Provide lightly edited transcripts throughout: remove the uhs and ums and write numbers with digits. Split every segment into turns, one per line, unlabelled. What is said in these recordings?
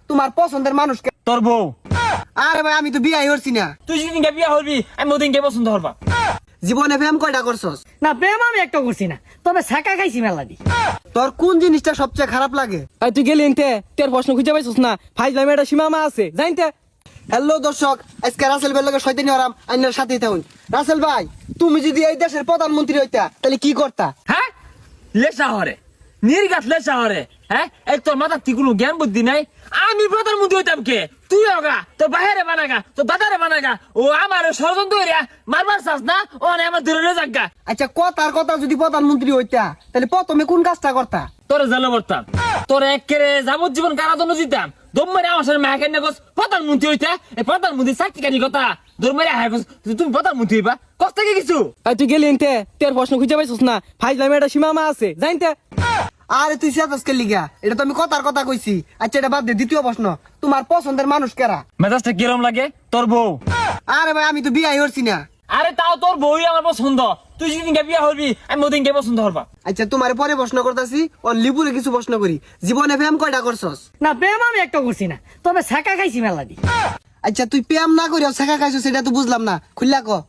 তোমার পছন্দের মানুষকে।
তোর বউ।
আরে ভাই আমি তো বিয়াই করছি না।
তুই যেদিনকে বিয়া হবি আমি ওদিনকে পছন্দ হবা।
জীবনে প্রেম কয়টা করছস?
না প্রেম আমি একটা করছি না, তবে ছাকা খাইছি মেলা দি।
তোর কোন জিনিসটা সবচেয়ে খারাপ লাগে?
তুই গেলি এনতে তোর প্রশ্ন খুঁজে পাইছিস না, ফাইজলামে একটা সীমা আছে জানতে।
হ্যালো দর্শক, আজকে রাসেল ভাইয়ের লগে শয়তানি হরাম আইনার সাথেই থাকুন। রাসেল ভাই, তুমি যদি এই দেশের প্রধানমন্ত্রী হইতা তাহলে কি করতা?
হ্যাঁ লেসা হরে নির্গাত লেসা হরে। হ্যাঁ এই তোর মাথার কি কোনো জ্ঞান বুদ্ধি নাই? আমি প্রধানমন্ত্রী হইতাম কে? তুই হোগা তোর বাহিরে বানাগা তোর দাদারে বানাগা। ও আমার ষড়যন্ত্র হইয়া মারবার চাস না, ও আমার ধরে যাগা।
আচ্ছা কথার কথা যদি প্রধানমন্ত্রী হইতা তাহলে প্রথমে কোন কাজটা করতা?
তোরে জানো করতাম, তোর একেরে যাবজ্জীবন কারাদণ্ড দিতাম। দম মেরে আমার সাথে মাকে না প্রধানমন্ত্রী হইতা। এই প্রধানমন্ত্রী চাকরি কানি কথা দম মেরে হায় তুমি প্রধানমন্ত্রী হইবা কষ্ট থেকে কিছু।
তুই গেলি এনতে তোর প্রশ্ন খুঁজে পাইছিস না, ফাইজলামে একটা সীমা আছে জানতে।
আরে তুই সেটাসকে লিগা, এটা তো আমি কথার কথা কইছি। আচ্ছা এটা বাদ দে, দ্বিতীয় প্রশ্ন, তোমার পছন্দের মানুষ কারা?
মেজাজটা কিরম লাগে? তোর বউ।
আরে ভাই আমি তো বিয়াই করছি না।
আরে তাও তোর বউই আমার পছন্দ। তুই যেদিনকে বিয়া হবি আমি ওদিনকে পছন্দ হবা।
আচ্ছা তোমার পরে প্রশ্ন করতেছি, ও লিপুরে কিছু প্রশ্ন করি। জীবনে প্রেম কয়টা করছস?
না প্রেম আমি একটা করছি না, তবে ছাকা খাইছি মেলা দি।
আচ্ছা তুই প্রেম না করিও শেখা খাইছো সেটা তো বুঝলাম না, খুললা ক।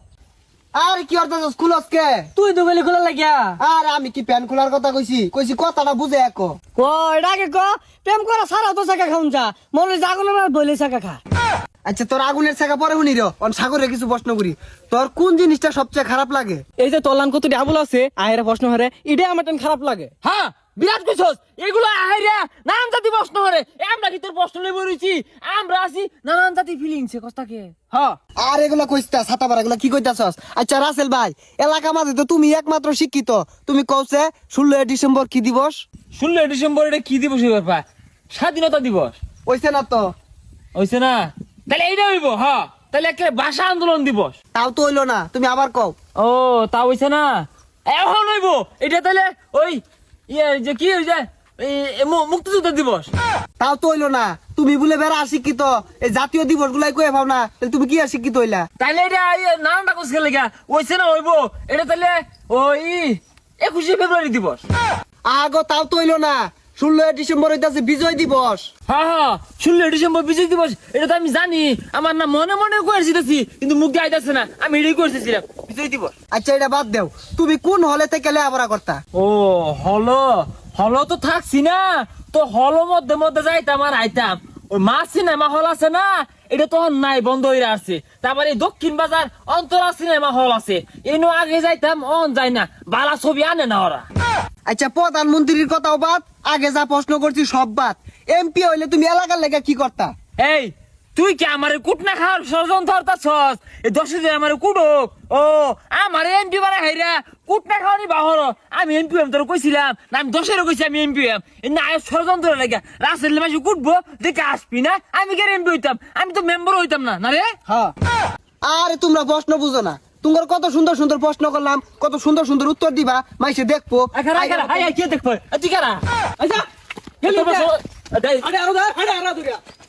আরে কি অর্থাৎ খুলস কে?
তুই তো গলি খোলা লাগিয়া।
আরে আমি কি প্যান খোলার কথা কইছি? কইছি কথাটা বুঝে এক।
ক এটা আগে ক, প্রেম করা সারা তো ছাকা খাউন যা, মনে জাগুনের বলে ছাকা খা।
আচ্ছা তোর আগুনের শেখা পরে শুনি রে, অন সাগরে কিছু প্রশ্ন করি। তোর কোন জিনিসটা সবচেয়ে খারাপ লাগে?
এই যে তলান কত ডাবল আছে আহের প্রশ্ন হারে, এটাই আমার টান খারাপ লাগে।
হ্যাঁ বিরাট কইছস, এগুলো আহাইরা নানান জাতি প্রশ্ন হরে। আমরা কি তোর প্রশ্ন লই বইছি? আমরা আছি নানান জাতি ফিলিংসে কস্তাকে। হ্যাঁ
আর এগুলা কইস্তা ছাতা পারা এগুলা কি কইতাছস? আচ্ছা রাসেল ভাই, এলাকা মাঝে তো তুমি একমাত্র শিক্ষিত, তুমি কওছে 16 ডিসেম্বর কি দিবস?
16 ডিসেম্বর এটা কি দিবস ব্যাপা? স্বাধীনতা দিবস
হইছে না তো?
হইছে না? তাহলে এইটা হইব। হ্যাঁ তাহলে একটা ভাষা আন্দোলন দিবস।
তাও তো হইলো না, তুমি আবার কও।
ও তা হইছে না, এখন হইব এটা। তাহলে ওই ইয়ে যে কি হইছে মুক্তিযুদ্ধ দিবস।
তাও তো হইলো না, তুমি বলে বেড়া শিক্ষিত, এই জাতীয় দিবস গুলাই কয়ে পাও না, তাহলে তুমি কি আর শিক্ষিত হইলা?
তাইলে এটা নানানটা কোস খেলে গা হইছে না হইব এটা। তাহলে ওই 21শে ফেব্রুয়ারি দিবস।
আগো তাও তো হইলো না, 16 ডিসেম্বর হইতাছে বিজয় দিবস।
হ্যাঁ হ্যাঁ 16 ডিসেম্বর বিজয় দিবস, এটা তো আমি জানি। আমার না মনে মনে করেছি কিন্তু মুখ দিয়ে আইতাছে না, আমি এটাই করেছিলাম বিজয় দিবস।
আচ্ছা এটা বাদ দেও, তুমি কোন হলে থেকে লেখাপড়া করতা?
ও হলো হলো তো থাকছি না তো, হলো মধ্যে মধ্যে যাইতাম আর আইতাম। ওই মা সিনেমা হল আছে না, এটা তখন নাই, বন্ধ হয়ে আসছে। তারপরে এই দক্ষিণ বাজার অন্তরা সিনেমা হল আছে, এনো আগে যাইতাম, অন যাই না, বালা ছবি আনে না ওরা।
আচ্ছা প্রধানমন্ত্রীর কথাও বাদ, আগে যা প্রশ্ন করছি সব বাদ। এমপি হইলে তুমি এলাকার লেগে কি করতা?
এই তুই কি আমার কুটনা খাওয়ার ষড়যন্ত্র করতাছস? এই 10 দিন আমার কুটুক। ও আমার এমপি মানে হাইরা কুটনা খাওয়ানি বাহর। আমি এমপি এম তোর কইছিলাম না, আমি 10-এরও কইছি আমি এমপি এম না। ষড়যন্ত্র লাগে রাসেল মাসে কুটবো দেখে আসবি না, আমি কে এমপি হইতাম? আমি তো মেম্বার হইতাম না। না রে
হ্যাঁ, আরে তোমরা প্রশ্ন বুঝো না। তোমার কত সুন্দর সুন্দর প্রশ্ন করলাম, কত সুন্দর সুন্দর উত্তর দিবা, মাইসে দেখবো।
কি দেখবো তুই কারা? আচ্ছা
আরে আরো দা, আরে আরো দুইটা